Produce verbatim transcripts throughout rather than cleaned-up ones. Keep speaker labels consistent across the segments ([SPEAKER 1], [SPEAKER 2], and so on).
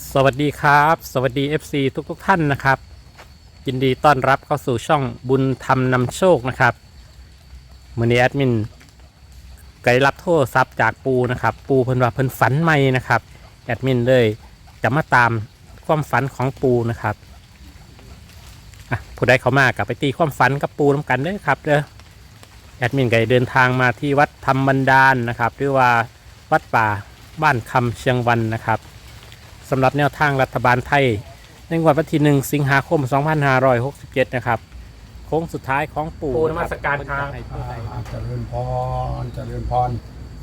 [SPEAKER 1] สวัสดีครับสวัสดี เอฟ ซี ทุกทุกท่านนะครับยินดีต้อนรับเข้าสู่ช่องบุญธรรมนำโชคนะครับมือนี้แอดมินไกด์รับโทรศัพท์จากปูนะครับปูเพิ่นว่าเพิ่นฝันใหม่นะครับแอดมินเลยจะมาตามความฝันของปูนะครับอ่ะผู้ใดเข้ามากลับไปตีความฝันกับปูน้ำกันเด้อครับเด้อแอดมินไกด์เดินทางมาที่วัดธรรมบันดาลนะครับหรือว่าวัดป่าบ้านคำเชียงวันนะครับสำหรับแนวทางรัฐบาลไทยในงวดวันที่หนึ่งสิงหาคมสองพันห้าร้อยหกสิบเจ็ดนะครับโค้งสุดท้ายของปู่นมัสการครับ
[SPEAKER 2] เจริญพรเจริญพร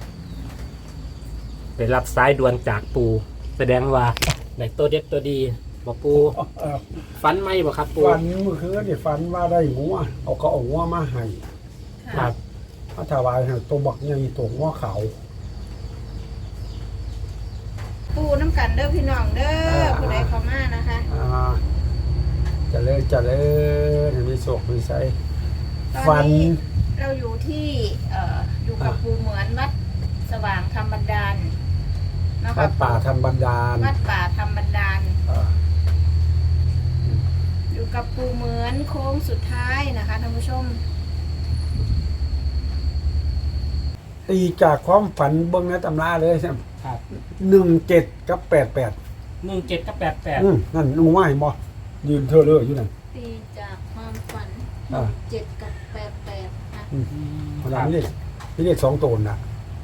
[SPEAKER 1] ไปรับสายด่วนจากปู่แสดงว่าในตัวเด็ดตัวดีบอกปู่ฝันไหมบอกครับปู่
[SPEAKER 2] ฝันเมื่อคืนนี่ฝันว่าได้งัวเอาก็เอางัวมาให้
[SPEAKER 1] ครับ
[SPEAKER 2] พระถวายให้ตัวบักใหญ่ตัวงัวขาว
[SPEAKER 3] ปูน้ำกันเด้อพี่น้องเด้อผู้ใดเข้ามานะคะ
[SPEAKER 2] อ่าเจริญเจริญมีโศกมีไส
[SPEAKER 3] ตอ
[SPEAKER 2] ฝั
[SPEAKER 3] น
[SPEAKER 2] น
[SPEAKER 3] นี้เราอยู่ที่เอ่ออยู่กับปูเหมือนวัดสว่างธรรมบันดาลนะค
[SPEAKER 2] วั
[SPEAKER 3] รับ
[SPEAKER 2] ดป่าธรรมบันดาล
[SPEAKER 3] วัดป่าธรรมบันดาล
[SPEAKER 2] อ่า
[SPEAKER 3] อยู่กับปูเหมือนโค้งสุดท้ายนะคะท่านผู้ชม
[SPEAKER 2] ตีจากความฝันเบิ้งในตำราเลยใช่ไหม
[SPEAKER 1] ครับ
[SPEAKER 2] หนึ่งเจ็ดกับแปดแปด
[SPEAKER 1] หนึ่งเจ็ดกับแปดแปด
[SPEAKER 2] อืมนั่นหนูว่าเห็นบ่ยืนเธอเลยอยู่นั่น
[SPEAKER 3] ตีจากความฝัน
[SPEAKER 2] อ่า
[SPEAKER 3] เจ็ดกับแปดแปดนะ
[SPEAKER 2] อืมขนาดนี้นี่เรียกสองตัวน่ะ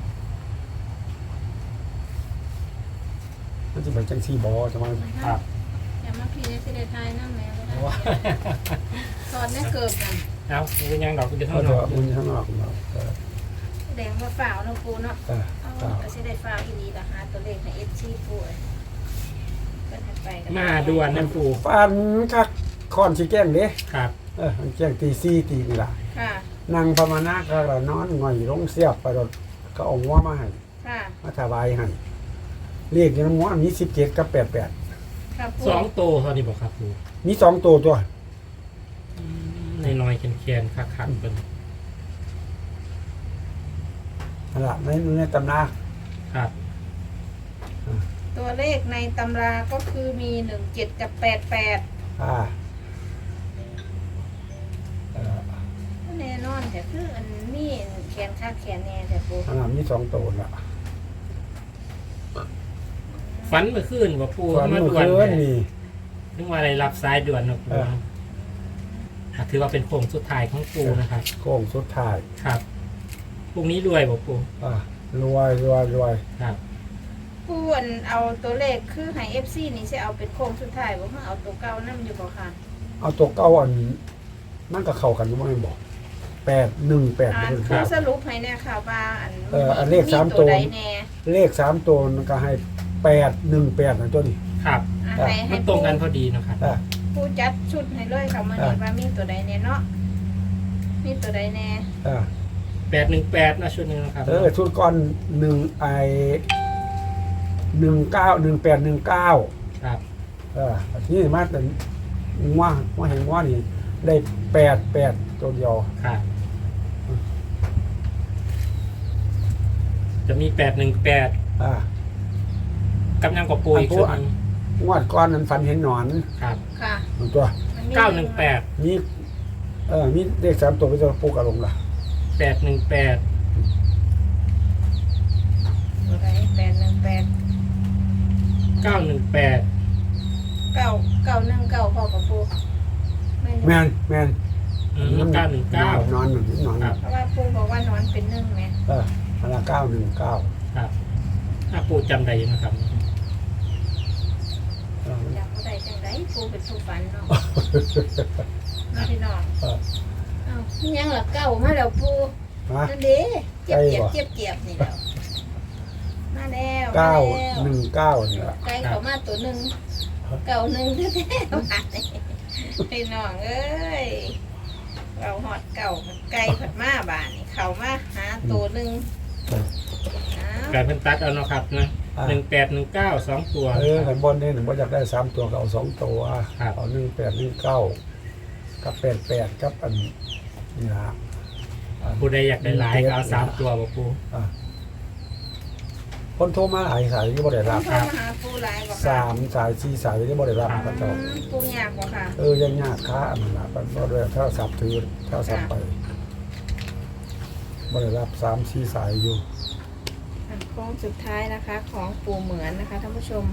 [SPEAKER 2] มันจะเป็นจังซี่บอจะมา
[SPEAKER 1] ครับ
[SPEAKER 3] อย่ามาพีได้สิได้ทายน้ำแม่ก็ได้สอนได้เกิดกัน
[SPEAKER 1] เอาเป็นยังดอกเดี๋ยว
[SPEAKER 2] เขา
[SPEAKER 1] เท่า
[SPEAKER 2] จะ
[SPEAKER 1] นั้น
[SPEAKER 2] อุ่นข้างนอกเราเออ
[SPEAKER 3] แดงว่าฝ่าวเนาะปูเนาะ
[SPEAKER 2] เออ
[SPEAKER 3] เอา
[SPEAKER 2] เปล่า
[SPEAKER 3] ก็สิได้ฝ่าวอีนี้ล่ะหาตัวเลขในเอฟซีปูเอ้ยเพิ่นให้ไปกัน
[SPEAKER 1] มาด่วนนะปู่
[SPEAKER 2] ฟันคักคอนสิแกล้งเด้
[SPEAKER 1] ครับ
[SPEAKER 2] เออมันแกล้งตีซี่ตีนี่ล่ะ
[SPEAKER 3] ค่ะ
[SPEAKER 2] นั่งภาวนาก็ละนอนง่อยลงเสียบไปรถก็เอาหัวมาให้
[SPEAKER 3] ค่ะ
[SPEAKER 2] มาถวายให้เรียกอย่างหัวมีสิบเจ็ดกับแปดแปด
[SPEAKER 3] ค่ะปู
[SPEAKER 1] สองโตเท่านี้บอกครับปู่
[SPEAKER 2] มีสองตัวตัว
[SPEAKER 1] ในน้อยๆแคนๆคักๆเป็น
[SPEAKER 2] นั่นล่ะในในตำรา
[SPEAKER 1] ครับ
[SPEAKER 3] ตัวเลขในตำราก็คือมีหนึ่งเจ็ดกับแปดแปด
[SPEAKER 2] อ่าเออ
[SPEAKER 3] แน่นอนแต่คืออันนี้แขนค่าแขนแน่แต่ปู
[SPEAKER 2] นั่นล่ะมีสองตัวล่ะ
[SPEAKER 1] ฝันเมื่อคืนว่าปู่
[SPEAKER 2] ฟัน
[SPEAKER 1] มา
[SPEAKER 2] เมื่อ
[SPEAKER 1] ด่วน
[SPEAKER 2] คืน
[SPEAKER 1] เนี่ย
[SPEAKER 2] นี่
[SPEAKER 1] นึกว่าอะไรรับสายด่วนนะปู่
[SPEAKER 2] เออ
[SPEAKER 1] อ่ะถือว่าเป็นโค้งสุดท้ายของปู่นะครับ
[SPEAKER 2] โค้งสุดท้าย
[SPEAKER 1] ครับพรุ่งนี้รวยบอกปู่
[SPEAKER 2] อ่ารวยรวยรวย
[SPEAKER 1] ครับ
[SPEAKER 3] ปูอันเอาตัวเลขคือให้เอฟซีนี่จะเอาเป็นโค้งสุดท้ายบ่คือเอาตัวเก่านั่อยู่บ่ค่ะ
[SPEAKER 2] เอาตัวเก้าอันมันก็เข้ากันอยังไม่บอกแปดหนึ่งแปด
[SPEAKER 3] อ่าน
[SPEAKER 2] เป็น
[SPEAKER 3] คือสรุปให้แน่ค่ะว่าอัน
[SPEAKER 2] เอออันเลขสามตัว
[SPEAKER 3] ใดแน่
[SPEAKER 2] เลขสามตัวมันก็ให้แปดหนึ่งแปดนะตัวนี้
[SPEAKER 1] ครับ
[SPEAKER 3] อ่ะ
[SPEAKER 2] อ่ะ
[SPEAKER 3] ให้ให้
[SPEAKER 1] มันตรงกันพอดีนะครับ
[SPEAKER 2] อ่า
[SPEAKER 3] ผู้จัดชุดให้เลยค่ะมันนี่ว่ามีตัวใดแน่เนาะมีตัวใดแน่
[SPEAKER 2] อ่า
[SPEAKER 1] แปดหนึ่งแปดนะชุดหนึงนะครับ
[SPEAKER 2] เออชุดก้อนหนึ่งไอหนึ่งเก้าหนึ่งแปดหนึ่งเก้า
[SPEAKER 1] ครับ
[SPEAKER 2] เออทีนี้มาแต่ว่าว่าเห็นว่านี่ได้แปดแปดตัวเดียว
[SPEAKER 1] ครับจะมีแปดหนึ่งแปด
[SPEAKER 2] อ่าก
[SPEAKER 1] ำลังกับปูอีกชุดหนึง
[SPEAKER 2] งวดก้อนนั้นฟันเห็นหนอน
[SPEAKER 1] ครับ
[SPEAKER 3] ค่ะ
[SPEAKER 2] มันตัว
[SPEAKER 3] มันมี
[SPEAKER 1] เก้าหนึ่งแปด
[SPEAKER 2] นี่เออมีเลขสามตัวไปตัวปูกระลงล่ะ
[SPEAKER 1] แปดหนึ่งแปด
[SPEAKER 3] ตัวใดแปดหนึ่งแปด
[SPEAKER 1] เก้าหนึ่งแปด
[SPEAKER 3] เก้าเก้าหนึ่งเก้าพ่อกับปูไม่
[SPEAKER 2] แม
[SPEAKER 3] รู้
[SPEAKER 2] นแมน
[SPEAKER 1] เก้าหนึ่งเก้าน
[SPEAKER 2] อนหนึ่งนอน
[SPEAKER 1] ครับ
[SPEAKER 3] เพราะว่าปูบอกว่านอนเป็นหนึ่งไหม
[SPEAKER 2] เอออันละเก้าหนึ่งเก้า
[SPEAKER 1] ครับถ้าปูจำได้นะครับ
[SPEAKER 3] อยากผู้ใดจังไดปูเป็นผู้ฝันเนาะน้องพี่น้อง
[SPEAKER 2] เออ
[SPEAKER 3] อ้าวนี่ยังละเก้ามาแล้วปู
[SPEAKER 2] ฮะ
[SPEAKER 3] นั่นเด้เจ็บ
[SPEAKER 2] ไก่
[SPEAKER 3] เจ็บ
[SPEAKER 2] บ่
[SPEAKER 3] เจ็บเจ็บนี่แล้วมาแล้ว
[SPEAKER 2] เก้า
[SPEAKER 3] มาแล้ว
[SPEAKER 2] หนึ่งเก้านี่ละ
[SPEAKER 3] ไก่เขามาตัวหนึ่งเก่าหนึ่งแท้ๆมาเนี่ยพี่น้องเอ้ยเราหอดเก่าไก่ผัดมาบ้านนี่เขามาหาตัวหนึ่งอ้าว
[SPEAKER 1] การเพิ่นตัดเอาเนาะครับนะ
[SPEAKER 2] อ่า
[SPEAKER 1] หนึ่งแปดหนึ่งเก้าสองตัว
[SPEAKER 2] เออขันบนนี่หนึ่งว่าอยากได้สามตัวก็เอาสองตัว
[SPEAKER 1] ครับ
[SPEAKER 2] เอาหนึ่งแปดหนึ่งเก้ากับแปดแปดกับอันนี่ละอ่า
[SPEAKER 1] ปูได้อยากได้หลายก็เอาสามตัวบอกปู
[SPEAKER 2] อ่าคนโทรมาหลายสายที่บ่ได้
[SPEAKER 3] ต้
[SPEAKER 2] รั
[SPEAKER 3] อบ งโทรมาหาปูหลายบ่ค่ะ
[SPEAKER 2] สามสายสี่สายที่บ่ได้รับพระเจ้า
[SPEAKER 3] อืมปูยากบ่ค่ะ
[SPEAKER 2] เออยังยากค้าอันนั้นล่ะมันบ่ได้โทรศัพท์ถือโทรศัพท์ไปบ่ได้รับสามสี่สายอยู่
[SPEAKER 3] อ่ะโค้งสุดท้ายนะคะ ของปูเหมือนนะคะท่านผู้ชม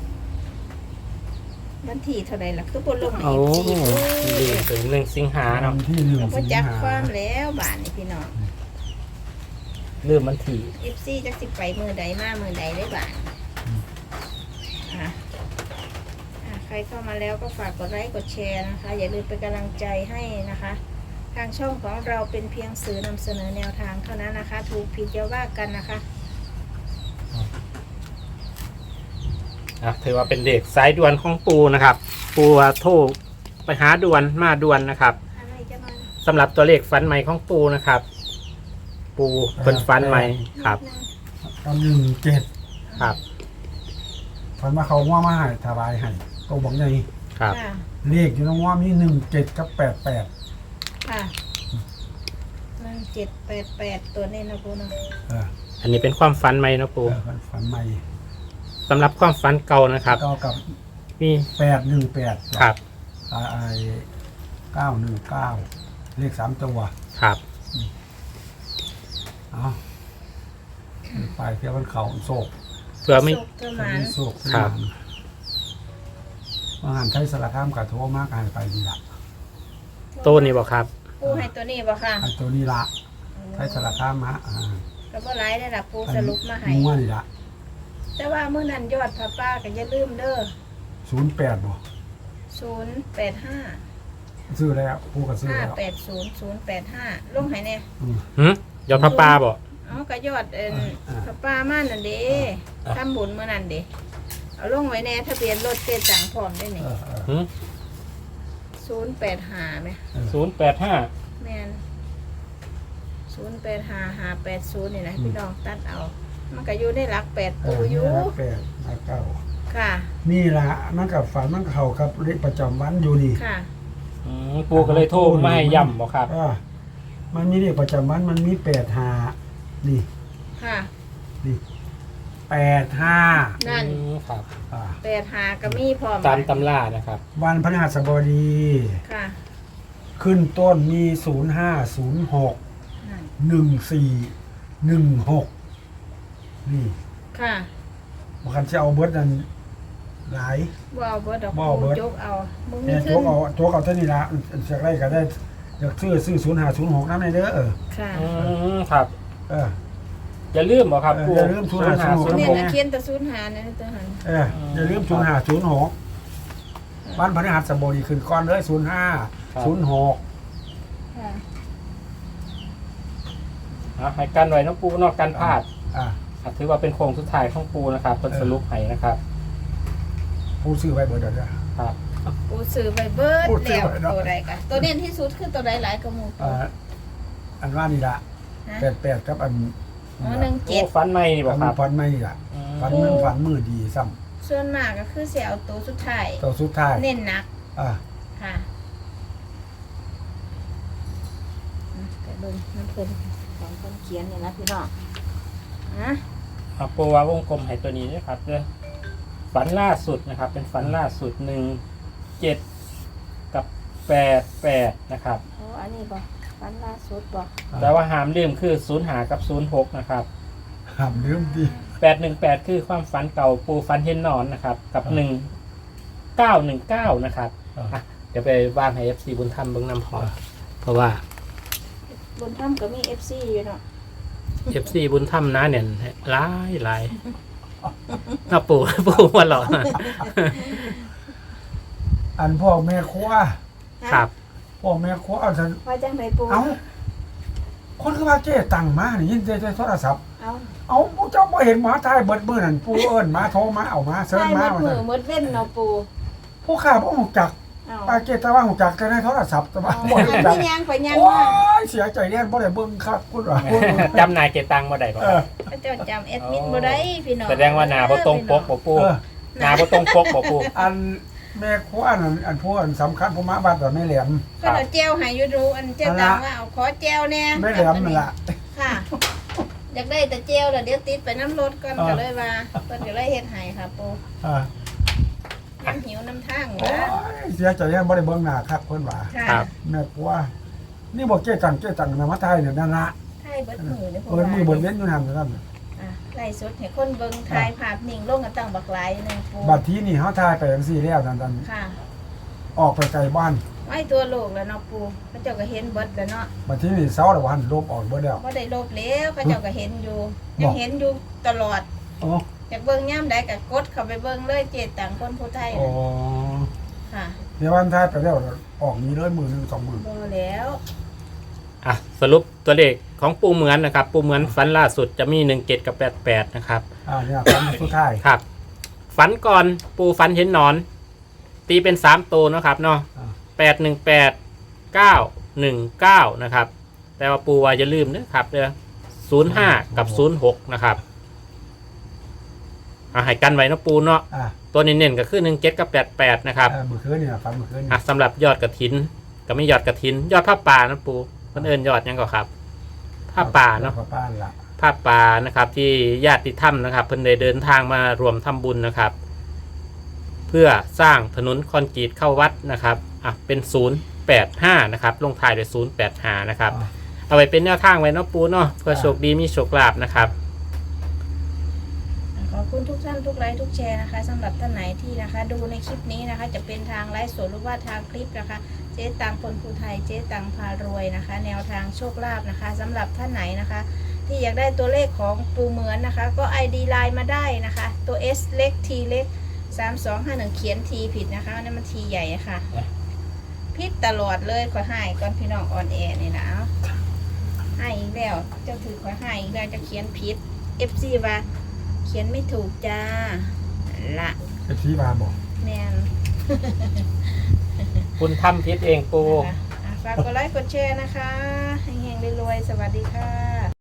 [SPEAKER 3] วันที่เท่าไหร่ล่ะคือบนลงใน
[SPEAKER 1] โอ้
[SPEAKER 3] เอฟซี
[SPEAKER 1] ดีถึงหนึ่งสิงหาเนาะ
[SPEAKER 2] วันที่หนึ่ง
[SPEAKER 3] ก็
[SPEAKER 2] สิง
[SPEAKER 3] จัก
[SPEAKER 2] หา
[SPEAKER 3] ความแล้วบาทนี่พี่น้อง
[SPEAKER 1] ลืมมันถี่
[SPEAKER 3] เอฟซีจักสิไปมือใดมามือใดได้บาทอ่ะอ่ะใครเข้ามาแล้วก็ฝากกดไลค์กดแชร์นะคะ อย่าลืมเป็นกำลังใจให้นะคะ ทางช่องของเราเป็นเพียงสื่อนำเสนอแนวทางเท่านั้นนะคะ ถูกผิดอย่าว่ากันนะคะ
[SPEAKER 1] อ่ะถือว่าเป็นเด็กสายด่วนของปูนะครับ ปูว่าโทรไปหาด่วนมาด่วนนะครับ
[SPEAKER 3] อะไรจะมา
[SPEAKER 1] สำหรับตัวเลขฟันใหม่ของปูนะครับ ปูเป็นฟันใหม่ครับ
[SPEAKER 2] ตอนหนึ่งเจ็ด
[SPEAKER 1] ครับ
[SPEAKER 2] ฝันมาเขาว่ามาให้ถวายให้ตัวบอกไง
[SPEAKER 1] ครับ
[SPEAKER 3] ค่ะ
[SPEAKER 2] เลขอยู่ตรงว่ามีหนึ่งเจ็ดกับแปดแปด
[SPEAKER 3] ค่ะหนึ่งเจ็ดแปดแปดตัวนี้นะปูเนาะ
[SPEAKER 2] เออ
[SPEAKER 1] อันนี้เป็นความฝันใหม่นะปู
[SPEAKER 2] เออฝันใหม่
[SPEAKER 1] สำหรับความฝันเก่านะครับ
[SPEAKER 2] ก็กับ
[SPEAKER 1] มี
[SPEAKER 2] แปดหนึ่งแปด
[SPEAKER 1] ครับ
[SPEAKER 2] ไอเก้าหนึ่งเก้าเลขสามตัว
[SPEAKER 1] ครับ
[SPEAKER 2] เอาไปเที่ยววันเขาโศก
[SPEAKER 1] เพื่อไม่
[SPEAKER 3] สุกเท่านั้น
[SPEAKER 2] โศก
[SPEAKER 1] ครับ
[SPEAKER 2] ว่าหันไทยสารคามกับโทรมากหันไปนี่ละ
[SPEAKER 1] โตนี่บอกครับ
[SPEAKER 3] ปูให้ตัวนี้บ่ค่ะ
[SPEAKER 2] ไอ้ตัวนี้ละไทยสารคามฮะอ่า
[SPEAKER 3] ก็บ่ไลฟ์ได้ละปูสรุปมาให้
[SPEAKER 2] งัวนี่ละ
[SPEAKER 3] แต่ว่าเมื่อนั้นยอดพระป้าก็อย่าลืมเด้อ
[SPEAKER 2] ศูนย์แปดบ่
[SPEAKER 3] ศูนย์แปดห้า
[SPEAKER 2] ซื้อแล้วผู้ก็ซื้อ
[SPEAKER 3] ห้า
[SPEAKER 2] แล้ว
[SPEAKER 3] แปดศูนย์ศูนย์แปดห้าลงให้แน่
[SPEAKER 2] อืม
[SPEAKER 1] หืมยอดพระปลาบอก
[SPEAKER 3] เอาก็ยอดเอ็น
[SPEAKER 2] อ่า
[SPEAKER 3] พระป้ามานั่นเด้
[SPEAKER 1] อ่า
[SPEAKER 3] ทำบุญเมื่อนั้นเด้เอาลงไว้แน่ทะเบียนรถเจ๊จังพร้อมได้นี่
[SPEAKER 2] เออเออ
[SPEAKER 1] หืม
[SPEAKER 3] ศูนย์แปดห้าไหม
[SPEAKER 1] ศูนย์แปดห้า
[SPEAKER 3] แมนศูนย์แปดห้าห้าแปดศูนย์นี่นะพี่น้องตัดเอา มันก็อยู่ในหลักแปด
[SPEAKER 2] เอ
[SPEAKER 3] ตัว
[SPEAKER 2] อ
[SPEAKER 3] อ
[SPEAKER 2] นี่
[SPEAKER 3] ยู่
[SPEAKER 2] ละแปดละเก้า
[SPEAKER 3] ค่ะ
[SPEAKER 2] นี่ละมันกับฝันมันเข้ากับเลขประจำวันอยู่นี่
[SPEAKER 3] ค่ะ
[SPEAKER 1] อืมปูก็เลยโทรมาให้ย่ำบอกครับ
[SPEAKER 2] อ่ามันมีเลขประจำวันมันมีแปดห้านี่
[SPEAKER 3] ค่ะ
[SPEAKER 2] นี่แปดห้า
[SPEAKER 3] นั่น
[SPEAKER 1] อืมครับ
[SPEAKER 2] อ่า
[SPEAKER 3] แปดห้าก็มีพร้อม
[SPEAKER 1] ตามตำรานะครับ
[SPEAKER 2] วันพฤหัสบดี
[SPEAKER 3] ค่ะ
[SPEAKER 2] ขึ้นต้นมีศูนย์ห้าศูนย์หก
[SPEAKER 3] นั่น
[SPEAKER 2] หนึ่งสี่หนึ่งหกนี่
[SPEAKER 3] ค่ะ
[SPEAKER 2] บางคันจะเอาเบิร์ดนั่นหลาย
[SPEAKER 3] บ่เอาเบิดดอก
[SPEAKER 2] บ่เอาเบิด
[SPEAKER 3] จกเอามึงมี
[SPEAKER 2] เนี่ย
[SPEAKER 3] ขึ้
[SPEAKER 2] ตัวน เอาตัวเอาเท่านี้ละจากไรก็ได้อยากซื้อซื้อศูนย์ห้าศูนย์หกนั่นเด้อเออ
[SPEAKER 3] ค่ะ
[SPEAKER 1] อืมครับ
[SPEAKER 2] เออ
[SPEAKER 1] อย่าลืมบอกครับ
[SPEAKER 2] เออ
[SPEAKER 1] ปู
[SPEAKER 2] อย่าลืมศูนย์ห้าศูนย์หก
[SPEAKER 1] ศูนย์
[SPEAKER 3] เนี่ย
[SPEAKER 1] หก
[SPEAKER 3] นะเขียนแตะศูนย์หาเนี่ยนะตัวหัน
[SPEAKER 2] เอออย่าลืมศูนย์ห้าศูนย์หกวันพฤหัสบดีขึ้นก่อนเลยศูนย์ห้าศูนย์หก
[SPEAKER 3] ค่ะ
[SPEAKER 1] อ่ะให้กันไว้น้องปูนอกกันพลาด
[SPEAKER 2] อ่า
[SPEAKER 1] อ่ะถือว่าเป็นโครงสุดท้ายของปูนะครับเป็นสรุปให้นะครับ
[SPEAKER 2] ผู้ซื้อไปเบิร์ดเด้อ
[SPEAKER 1] ครับ
[SPEAKER 3] ปูซื้อไปเบิด
[SPEAKER 2] ปูซื้อ
[SPEAKER 3] แล้ว
[SPEAKER 2] ไปเนาะ
[SPEAKER 3] ตัวใดกันตัวเด่นที่สุดคือตัวใดหลายกระมู
[SPEAKER 2] อ่าอันว่านี่ละ
[SPEAKER 3] ฮะ
[SPEAKER 2] แปดแปดกับอัน
[SPEAKER 3] อ๋อหนึ่ง
[SPEAKER 1] โอ้
[SPEAKER 3] เจ็ด
[SPEAKER 1] ฟันใหม่นี่บอก
[SPEAKER 2] ฝัน
[SPEAKER 1] ครับ
[SPEAKER 2] ฝันไม่นี่ละ
[SPEAKER 1] อืม
[SPEAKER 2] ฝันมันฝันมือดีซ้
[SPEAKER 3] ส่วนมากก็คือเสียเอาตัวสุดท้าย
[SPEAKER 2] ำตัวสุดท้าย
[SPEAKER 3] เน้นหนัก
[SPEAKER 2] อ่า
[SPEAKER 3] ค่ะอ่ะแต่เบิ่งน้ำเพิ่นของคนเขียนเนี่ยนะพี่น้องอ่ะ
[SPEAKER 1] อ่ะปูว่าวงกลมให้ตัวนี้นะครับเด้อฝันล่าสุดนะครับ เป็นฝันล่าสุดหนึ่งเจ็ดกับแปดแปดนะครับ
[SPEAKER 3] โอ้อันนี้บ่ฟันล่าสุดบ่
[SPEAKER 1] แต่ว่าหามลืมคือศูนย์หากับศูนย์หกนะครับ
[SPEAKER 2] ห้ามลืมดิ
[SPEAKER 1] แปดหนึ่งแปดคือความฝันเก่าปูฝันเห็นหนอนนะครับ กับหนึ่งเก้าหนึ่งเก้านะครับอ่ะเดี๋ยวไปวางให้เอฟซีบุญธรรมเบิ้งนำพอเพราะว่า
[SPEAKER 3] บนถ้ำก็มี เอฟ ซี อยู่เนาะ
[SPEAKER 1] เอฟซีบุญธรรมนะเนี่ยหลายหลายน่าปูปูมาหล่อ
[SPEAKER 2] อันพ่อแม่ครัว
[SPEAKER 1] ครับ
[SPEAKER 2] พ่อแม่ครัวเอาฉัน
[SPEAKER 3] ว่าจังไดปู
[SPEAKER 2] เอ้าคนคือว่าเจ๊ตังมานี่ยินใจใจโทรศัพท์
[SPEAKER 3] เอา
[SPEAKER 2] เอาผู้เจ้าบ่เห็นหมาทายเบิดมื้อนั่นปูเอิ้นมาโทรมาเอามาเชิญ
[SPEAKER 3] ใช่
[SPEAKER 2] มา
[SPEAKER 3] หมด
[SPEAKER 2] ว่า
[SPEAKER 3] มื
[SPEAKER 2] ซั่
[SPEAKER 3] อน หมดเว้นเนาะปู
[SPEAKER 2] ผู้ข้าบ่ฮู้จัก
[SPEAKER 3] เอา
[SPEAKER 2] ป้าเจ๊ตะว่าฮู้จักแต่ในโทรศัพท์แต่ว่าบ่
[SPEAKER 3] อัน
[SPEAKER 2] รู้จัก
[SPEAKER 3] ที่ยังไปยัง
[SPEAKER 2] โอ้
[SPEAKER 3] มาย
[SPEAKER 2] เสียใจแน่บ่ได้เบิ่งครับคุณว่า
[SPEAKER 1] จำนายเกตังมาได้ป่ะ
[SPEAKER 2] เออ
[SPEAKER 3] พระเจ้าจำแอดมินบ่ได้พี่น้อง
[SPEAKER 1] แสดงว่าหนาบ่ตรงปกบ่ปู
[SPEAKER 2] เออ
[SPEAKER 1] หนาบ่ตรงปกบ่ปู
[SPEAKER 2] อันแม่ครัวอันนั้นอันผู้อันสำคัญผู้มาบ้านแต่แม่แหลม
[SPEAKER 3] ก็เอาแจวให้อยู่ดูอันเจ้าตังว่าเอาขอแจวแน่
[SPEAKER 2] แม่แหลมนั่นล่ะ
[SPEAKER 3] ค่ะอยากได้แต่เจลแล้วเดี๋ยวติดไปน้ำรถก่อนก็เลยว่าเพิ่นก็เลยเฮ็ดให้ค่ะปู
[SPEAKER 2] อ่า
[SPEAKER 3] น้ำหิวน้ำทาง
[SPEAKER 2] โอ้
[SPEAKER 3] นะ
[SPEAKER 2] ยเสียใจยังบ่ได้เบิ่งหน้าครับเพิ่นว่า
[SPEAKER 3] ค่ะ
[SPEAKER 1] ครับ
[SPEAKER 2] แม่ปัวนี่บ่เก้ตังเก้ตังนะมาไทยเนี่ยนั่นละ
[SPEAKER 3] ไทยเบิดมือเด้อ
[SPEAKER 2] เอิ้นมือเบิ่นเว้นอยู่นั่นนั่น
[SPEAKER 3] อ่ะไล่สดให้คนเบิ่งถ่ายภาพนิ่งลงกันตั้งบักหลายหนึงปู
[SPEAKER 2] บัดทีนี่เฮาทายไปจังซี่แล้วนั่นนั่น
[SPEAKER 3] ค่ะ
[SPEAKER 2] ออกไปไกลบ้าน
[SPEAKER 3] ไว้ตัวโลกแล้วเนาะปูพระเจ้าก็เห็นเบิดแล้วเนาะ
[SPEAKER 2] บัดทีนี่เซาแล้ววันลบออกเบิดแล้ว
[SPEAKER 3] บ่ได้ลบแล้วพระเจ้าก็เห็นอยู่ยังเห็นอยู่ตลอด
[SPEAKER 2] โอ้
[SPEAKER 3] อยากเบิ่งย่ามใดก็กดเข้าไปเบิ่งเลยเจตังคนผู้ไทย
[SPEAKER 2] โอ้
[SPEAKER 3] น่ะค่ะ
[SPEAKER 2] เดี๋ยววันทายไปแล้วออกนี้เลยมือหนึงสองมือ
[SPEAKER 3] บ่แล้ว
[SPEAKER 1] อ่ะสรุปตัวเลขของปูเหมือนนะครับ ปูเหมือนฝันล่าสุดจะมีหนึ่งเจ็ดกับแปดแปดนะครับ
[SPEAKER 2] อ่าเนี่ยครั้งสุดท้าย
[SPEAKER 1] ครับ ฝันก่อนปูฝันเห็นหนอน ตีเป็นสามตัวเนาะครับเนาะ
[SPEAKER 2] อ่า
[SPEAKER 1] แปดหนึ่งแปดเก้าหนึ่งเก้านะครับ แต่ว่าปูว่าอย่าลืมนะครับเด้อศูนย์ห้ากับศูนย์หกนะครับเอาให้กันไว้เนาะปูเนาะ
[SPEAKER 2] อ่า
[SPEAKER 1] ตัวเน้นๆก็คือหนึ่งเจ็ดกับแปดแปดนะครับ
[SPEAKER 2] อ่ามื้อคืนนี่ล่ะครับมื้อคืนนี่
[SPEAKER 1] อ่ะสำหรับยอดกระถินก็ไม่ยอดกระถิน ยอดผ้าป่านะปูเพิ่นเอิ้นยอดหยังก็ครับผ้าป่าเนาะ
[SPEAKER 2] ผ้าป่าล่ะ
[SPEAKER 1] ผ้าป่านะครับ ที่ญาติธรรมนะครับเพิ่นได้เดินทางมารวมทำบุญนะครับ เพื่อสร้างถนนคอนกรีตเข้าวัดนะครับอ่ะเป็นศูนย์แปดห้านะครับลงท้ายด้วยศูนย์แปดห้านะครับ เอาไว้เป็นแนวทางไว้เนาะปูเนาะเพื่อโชคดีมีโชคลาภนะครับ
[SPEAKER 3] ขอบคุณทุกท่านทุกไลค์ทุกแชร์นะคะสำหรับท่านไหนที่นะคะ ดูในคลิปนี้นะคะ จะเป็นทางไลฟ์สดหรือว่าทางคลิปนะคะ เจ๊ตังคนภูไทยเจ๊ตังพารวยนะคะ แนวทางโชคลาภนะคะสำหรับท่านไหนนะคะ ที่อยากได้ตัวเลขของปูเหมือนนะคะ ก็ ไอ ดี ไลน์มาได้นะคะ ตัว S เล็ก T เล็กสามสองห้าหนึ่งเขียน T ผิดนะคะนั่นมัน T ใหญ่อะค่ะผิดตลอดเลยขอให้ก่อนพี่น้องออนแอร์นี่นะเอาให้อีกแล้วเจ้าถือขอให้อีกแล้วจะเขียนผิด เอฟ ซี ว่าเขียนไม่ถูกจ้าละ
[SPEAKER 2] ไอ้ที่มาบอก
[SPEAKER 3] แมน
[SPEAKER 1] คุณทำพิษเองปู
[SPEAKER 3] นะคะอ่ะฝากกดไลค์กดแชร์นะคะให้เฮงๆรวยๆสวัสดีค่ะ